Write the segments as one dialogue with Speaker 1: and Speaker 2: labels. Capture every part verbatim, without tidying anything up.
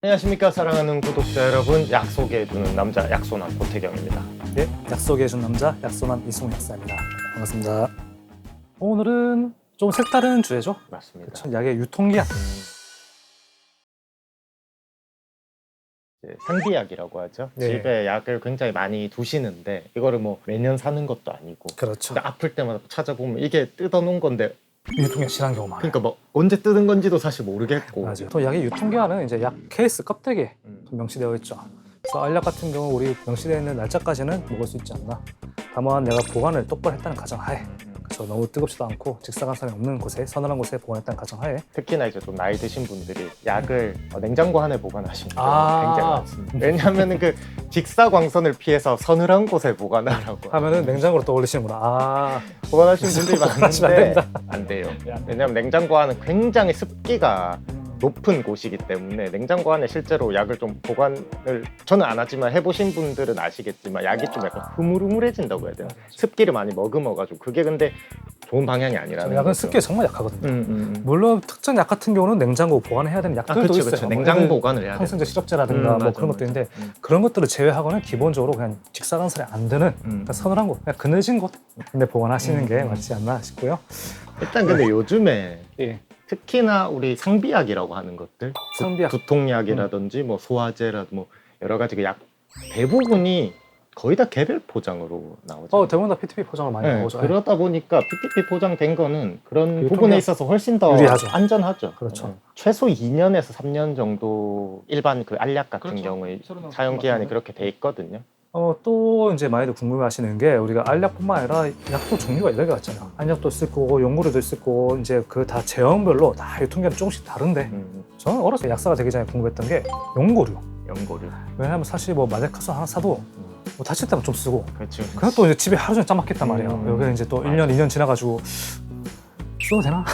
Speaker 1: 안녕하십니까 사랑하는 구독자 여러분, 약속해주는 남자 약손한 고태경입니다.
Speaker 2: 네, 약속해준 남자 약손한 이승우 약사입니다. 반갑습니다. 오늘은 좀 색다른 주제죠.
Speaker 1: 맞습니다.
Speaker 2: 그쵸, 약의 유통기한.
Speaker 1: 이제 상비약이라고 하죠.
Speaker 2: 네.
Speaker 1: 집에 약을 굉장히 많이 두시는데 이거를 뭐 매년 사는 것도 아니고
Speaker 2: 그렇죠.
Speaker 1: 근데 아플 때마다 찾아보면 이게 뜯어놓은 건데
Speaker 2: 유통기한 지난 경우 많아요.
Speaker 1: 그러니까 뭐 언제 뜯은 건지도 사실 모르겠고
Speaker 2: 맞아요. 또 약의 유통기한은 이제 약 케이스 껍데기에
Speaker 1: 음.
Speaker 2: 명시되어 있죠. 그래서 알약 같은 경우 우리 명시되어 있는 날짜까지는 먹을 수 있지 않나. 다만 내가 보관을 똑바로 했다는 가정하에,
Speaker 1: 음.
Speaker 2: 그래서 너무 뜨겁지도 않고 직사광선이 없는 곳에, 서늘한 곳에 보관했다는 가정하에.
Speaker 1: 특히나 이제 좀 나이 드신 분들이 약을 어, 냉장고 안에 보관하시는 경우가
Speaker 2: 아.
Speaker 1: 굉장히 많습니다. 왜냐하면 그 직사광선을 피해서 서늘한 곳에 보관하라고
Speaker 2: 하면은 냉장고로 떠올리시는구나. 아,
Speaker 1: 보관하시는 분들이
Speaker 2: 보관하시면 안
Speaker 1: 많은데
Speaker 2: 됩니다.
Speaker 1: 안 돼요. 왜냐하면 냉장고 안은 굉장히 습기가 높은 곳이기 때문에 냉장고 안에 실제로 약을 좀 보관을 저는 안 하지만 해보신 분들은 아시겠지만 약이 좀 약간 흐물흐물해진다고 해야 되나? 습기를 많이 머금어가지고 그게 근데 좋은 방향이 아니라는
Speaker 2: 약은
Speaker 1: 거죠.
Speaker 2: 습기에 정말 약하거든요.
Speaker 1: 음, 음, 음.
Speaker 2: 물론 특정 약 같은 경우는 냉장고 보관해야 되는
Speaker 1: 아,
Speaker 2: 약들도
Speaker 1: 그쵸,
Speaker 2: 있어요.
Speaker 1: 그쵸.
Speaker 2: 뭐
Speaker 1: 냉장
Speaker 2: 애들
Speaker 1: 보관을 해야 돼.
Speaker 2: 항생제 시럽제라든가
Speaker 1: 음,
Speaker 2: 뭐
Speaker 1: 맞아,
Speaker 2: 그런 것도
Speaker 1: 맞아.
Speaker 2: 있는데
Speaker 1: 음.
Speaker 2: 그런 것들을 제외하고는 기본적으로 그냥 직사광선이 안 드는
Speaker 1: 음.
Speaker 2: 그러니까 서늘한 곳, 그냥 그늘진 곳 근데 보관하시는
Speaker 1: 음,
Speaker 2: 게
Speaker 1: 음.
Speaker 2: 맞지 않나 싶고요.
Speaker 1: 일단 근데 요즘에
Speaker 2: 예.
Speaker 1: 특히나 우리 상비약이라고 하는 것들,
Speaker 2: 상비약.
Speaker 1: 두통약이라든지 뭐 소화제라 뭐 여러 가지 그 약 대부분이 거의 다 개별 포장으로 나오죠.
Speaker 2: 어, 대부분 다 피티피 포장을 많이
Speaker 1: 네,
Speaker 2: 나오죠.
Speaker 1: 그러다 보니까 피티피 포장된 거는 그런
Speaker 2: 그
Speaker 1: 부분에
Speaker 2: 유통기한
Speaker 1: 있어서 훨씬 더
Speaker 2: 유리하죠.
Speaker 1: 안전하죠.
Speaker 2: 그렇죠.
Speaker 1: 네. 최소 이 년에서 삼 년 정도 일반 그 알약 같은
Speaker 2: 그렇죠.
Speaker 1: 경우에
Speaker 2: 새로 나온
Speaker 1: 사용
Speaker 2: 것
Speaker 1: 기한이
Speaker 2: 같은데.
Speaker 1: 그렇게 돼 있거든요.
Speaker 2: 어, 또 이제 많이들 궁금해하시는 게 우리가 알약뿐만 아니라 약도 종류가 여러 개가 있잖아요. 안약도 있을 거고 용구류도 있을 거고 이제 그 다 제형별로 다 유통기한이 조금씩 다른데
Speaker 1: 음,
Speaker 2: 저는 어렸을 때 약사가 되기 전에 궁금했던 게 용구류.
Speaker 1: 연고류.
Speaker 2: 왜냐하면 사실 뭐 마데카소 하나 사도
Speaker 1: 음,
Speaker 2: 뭐 다칠 때만 좀 쓰고
Speaker 1: 그렇죠.
Speaker 2: 그냥 또 이제 집에 하루 종일 짜맞겠단 말이에요.
Speaker 1: 음.
Speaker 2: 여기 이제 또
Speaker 1: 맞아.
Speaker 2: 일 년, 이 년 지나가지고 써도 되나?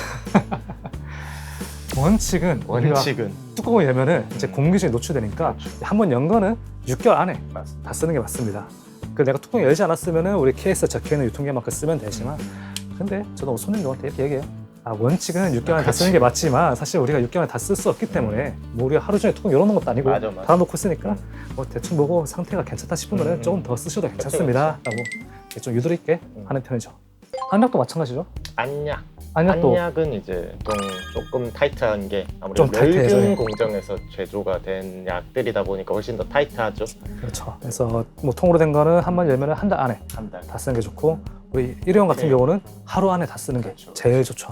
Speaker 2: 원칙은 우리가
Speaker 1: 원칙은
Speaker 2: 뚜껑을 열면은 이제
Speaker 1: 음.
Speaker 2: 공기중에 노출되니까
Speaker 1: 그렇죠.
Speaker 2: 한 번 연 거는 육 개월 안에
Speaker 1: 맞습니다.
Speaker 2: 다 쓰는 게 맞습니다. 그 내가 뚜껑 열지 않았으면은 우리 케이스에 적혀있는 유통기한만큼 쓰면 되지만 근데 저도 손님들한테 이렇게 얘기해요. 아, 원칙은 육 개월 안에 다 쓰는 게 맞지만 사실 우리가 육 개월 안에 다 쓸 수 없기 때문에 뭐 우리가 하루 종일 뚜껑 열어놓은 것도 아니고
Speaker 1: 맞아, 맞아.
Speaker 2: 닫아놓고 쓰니까
Speaker 1: 음.
Speaker 2: 뭐 대충 보고 상태가 괜찮다 싶으면
Speaker 1: 음, 음.
Speaker 2: 조금 더 쓰셔도 괜찮습니다 라고 이렇게 좀 유도리 있게
Speaker 1: 음.
Speaker 2: 하는 편이죠. 안약도 마찬가지죠.
Speaker 1: 안약.
Speaker 2: 안약도
Speaker 1: 안약은 이제 좀 조금 타이트한 게 아무래도
Speaker 2: 좀 타이트해서,
Speaker 1: 멸균
Speaker 2: 예.
Speaker 1: 공정에서 제조가 된 약들이다 보니까 훨씬 더 타이트하죠.
Speaker 2: 그렇죠. 그래서 뭐 통으로 된 거는 한 번 열면 한 달 안에
Speaker 1: 한 달.
Speaker 2: 다 쓰는 게 좋고 우리 일회용 같은
Speaker 1: 네.
Speaker 2: 경우는 하루 안에 다 쓰는 게
Speaker 1: 그렇죠.
Speaker 2: 제일 좋죠.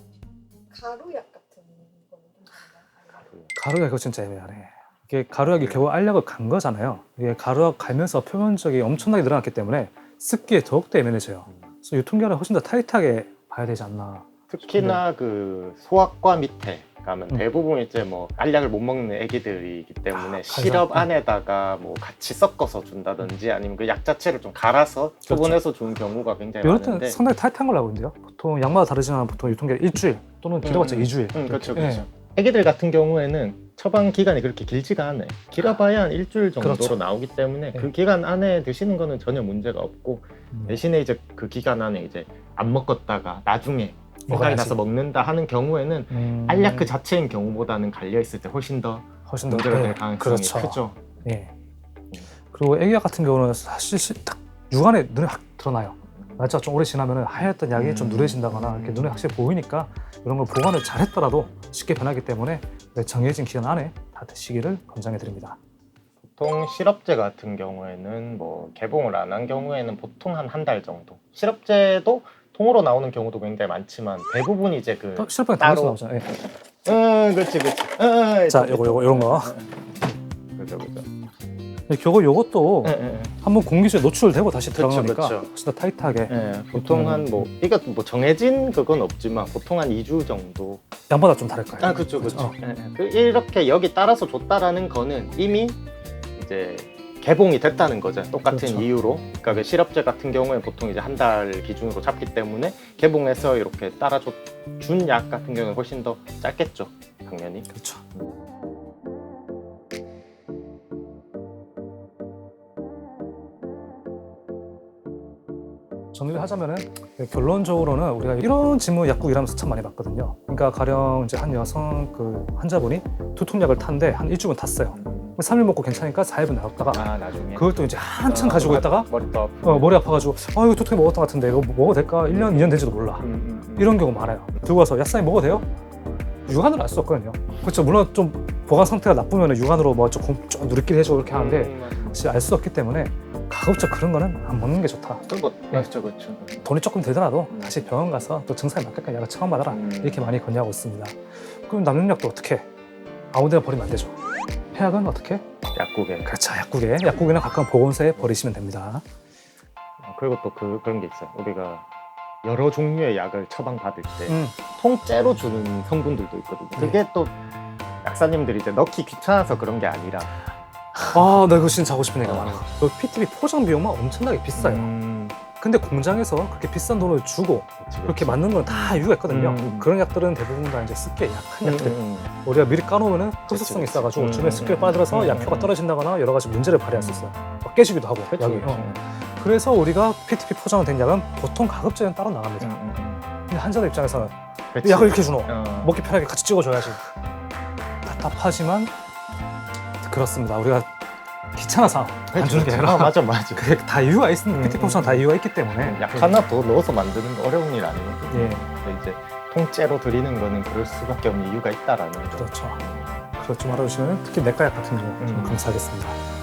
Speaker 3: 가루약 같은 거는 좀 다른가요?
Speaker 2: 가루약 이거 진짜 애매하네. 이게 가루약이 결국 알약을 간 거잖아요. 이게 가루약 갈면서 표면적이 엄청나게 늘어났기 때문에 습기에 더욱더 예민해져요. 그래서 유통기한을 훨씬 더 타이트하게 봐야 되지 않나.
Speaker 1: 특히나 그 소아과 밑에 가면
Speaker 2: 음.
Speaker 1: 대부분 이제 뭐 알약을 못 먹는 애기들이기 때문에
Speaker 2: 아,
Speaker 1: 시럽
Speaker 2: 간장.
Speaker 1: 안에다가 뭐 같이 섞어서 준다든지 아니면 그 약 자체를 좀 갈아서 소분해서 준 경우가 굉장히
Speaker 2: 이럴 때는
Speaker 1: 많은데.
Speaker 2: 상당히 타이트한 걸로 알고 있는데요. 보통 약마다 다르지만 보통 유통기한 일주일 또는 길어봤자
Speaker 1: 음,
Speaker 2: 이 주일.
Speaker 1: 음, 그렇죠,
Speaker 2: 이렇게.
Speaker 1: 그렇죠.
Speaker 2: 예.
Speaker 1: 애기들 같은 경우에는 처방 기간이 그렇게 길지가 않아요. 길어봐야 한 일주일 정도로
Speaker 2: 그렇죠.
Speaker 1: 나오기 때문에
Speaker 2: 네.
Speaker 1: 그 기간 안에 드시는 거는 전혀 문제가 없고
Speaker 2: 음.
Speaker 1: 대신에 이제 그 기간 안에 이제 안 먹었다가 나중에 생각이
Speaker 2: 먹어야지.
Speaker 1: 나서 먹는다 하는 경우에는
Speaker 2: 음.
Speaker 1: 알약 그 자체인 경우보다는 갈려 있을 때 훨씬 더
Speaker 2: 훨씬 더
Speaker 1: 문제가
Speaker 2: 예,
Speaker 1: 될 가능성이
Speaker 2: 그렇죠.
Speaker 1: 크죠.
Speaker 2: 예. 그리고 애기약 같은 경우는 사실 시- 딱 육안에 눈에 확 드러나요. 날짜가 좀 오래 지나면 하얗던 약이
Speaker 1: 음.
Speaker 2: 좀 누래진다거나 이렇게 눈에 확실히 보이니까 이런 걸 보관을 잘했더라도 쉽게 변하기 때문에 정해진 기간 안에 다 드시기를 권장해 드립니다.
Speaker 1: 보통 시럽제 같은 경우에는 뭐 개봉을 안 한 경우에는 보통 한 한 달 정도. 시럽제도 통으로 나오는 경우도 굉장히 많지만 대부분 이제 그
Speaker 2: 또 실업병
Speaker 1: 따로-
Speaker 2: 따로 나오잖아요. 예.
Speaker 1: 응, 그렇지, 그렇지. 응,
Speaker 2: 자, 요거 요거 이런 거.
Speaker 1: 그죠, 그죠.
Speaker 2: 요거 요것도
Speaker 1: 응, 응, 응.
Speaker 2: 한번 공기중에 노출되고 다시
Speaker 1: 그쵸,
Speaker 2: 들어가니까
Speaker 1: 그쵸.
Speaker 2: 훨씬 더 타이트하게
Speaker 1: 예, 보통 한 뭐 이거 뭐 정해진 그건 없지만 보통 한 이 주 정도.
Speaker 2: 양마다 좀 다를 거예요.
Speaker 1: 아, 그렇죠, 그렇죠.
Speaker 2: 어.
Speaker 1: 예, 예. 그 이렇게 여기 따라서 줬다라는 거는 이미 이제 개봉이 됐다는 거죠. 똑같은
Speaker 2: 그렇죠.
Speaker 1: 이유로. 그러니까 그 시럽제 같은 경우에 보통 이제 한 달 기준으로 잡기 때문에 개봉해서 이렇게 따라준 약 같은 경우는 훨씬 더 짧겠죠, 당연히.
Speaker 2: 그렇죠. 정리를 하자면은 결론적으로는 우리가 이런 질문 약국 일하면서 참 많이 봤거든요. 그러니까 가령 이제 한 여성 그 환자분이 두통약을 탔는데 한 일주일은 탔어요. 삼 일 먹고 괜찮으니까 사 일분 나갔다가
Speaker 1: 아 나중에
Speaker 2: 그걸 또 이제 한참
Speaker 1: 아,
Speaker 2: 가지고
Speaker 1: 머리-
Speaker 2: 있다가
Speaker 1: 머리도 아프고.
Speaker 2: 어, 머리 아파가지고 아 이거 두통약 먹었던 것 같은데 이거 먹어도 될까? 일 년, 이 년 된지도 몰라.
Speaker 1: 음, 음, 음.
Speaker 2: 이런 경우 많아요. 들고 와서 약사님 먹어도 돼요? 육안으로 알 수 없거든요. 그렇죠. 물론 좀 보관 상태가 나쁘면 육안으로 뭐 조금 좀 누리끼리 해주고 이렇게 하는데
Speaker 1: 음, 맞아.
Speaker 2: 사실 알 수 없기 때문에 가급적 그런 거는 안 먹는 게 좋다.
Speaker 1: 그거 그렇죠 그렇죠.
Speaker 2: 돈이 조금 들더라도
Speaker 1: 음.
Speaker 2: 다시 병원 가서 또 증상에 맞게끔 약을 처방받아라.
Speaker 1: 음.
Speaker 2: 이렇게 많이 권유하고 있습니다. 그럼 남용약도 어떻게? 아무데나 버리면 안 되죠. 해약은 어떻게?
Speaker 1: 약국에.
Speaker 2: 그렇죠. 약국에. 약국이나 가까운 보건소에 버리시면 됩니다.
Speaker 1: 어, 그리고 또 그 그런 게 있어요. 우리가 여러 종류의 약을 처방 받을 때
Speaker 2: 음.
Speaker 1: 통째로 주는 성분들도 있거든요.
Speaker 2: 네.
Speaker 1: 그게 또 약사님들이 이제 넣기 귀찮아서 그런 게 아니라
Speaker 2: 아, 나 이거 진짜 하고 싶은 얘기가 많아. 그 피티비 포장 비용만 엄청나게 비싸요.
Speaker 1: 음,
Speaker 2: 근데 공장에서 그렇게 비싼 돈을 주고
Speaker 1: 그치,
Speaker 2: 그렇게
Speaker 1: 그치.
Speaker 2: 맞는 건 다 이유가 있거든요.
Speaker 1: 음.
Speaker 2: 그런 약들은 대부분 다 이제 습기에 약한
Speaker 1: 음,
Speaker 2: 약들.
Speaker 1: 음,
Speaker 2: 우리가 미리 까놓으면
Speaker 1: 그치,
Speaker 2: 흡수성이
Speaker 1: 그치.
Speaker 2: 있어가지고
Speaker 1: 음,
Speaker 2: 주변에 습기를
Speaker 1: 음,
Speaker 2: 빠들어서
Speaker 1: 음,
Speaker 2: 약효가
Speaker 1: 음.
Speaker 2: 떨어진다거나 여러 가지 문제를 발휘할 수 있어요. 막 깨지기도 하고
Speaker 1: 그치,
Speaker 2: 약이.
Speaker 1: 그치.
Speaker 2: 어. 그래서 우리가 피티피 포장된 약은 보통 가급적이면 따로 나갑니다.
Speaker 1: 음, 음, 음.
Speaker 2: 근데 환자들 입장에서는
Speaker 1: 그치.
Speaker 2: 약을 이렇게 주노.
Speaker 1: 어.
Speaker 2: 먹기 편하게 같이 찍어줘야지. 답답하지만 그렇습니다. 우리가 귀찮아서 안 주는 게 아니라
Speaker 1: 아, 맞아 맞아.
Speaker 2: 그게 다 이유가 있습니다.
Speaker 1: 음,
Speaker 2: 피티피 포장 다 이유가 있기 때문에.
Speaker 1: 약 하나 더 넣어서 만드는 거 어려운 일 아니거든요.
Speaker 2: 예,
Speaker 1: 근데 이제 통째로 드리는 거는 그럴 수밖에 없는 이유가 있다라는 거.
Speaker 2: 그렇죠. 그렇죠. 말해주시면 특히 내과약 같은 경우 좀
Speaker 1: 음.
Speaker 2: 감사하겠습니다.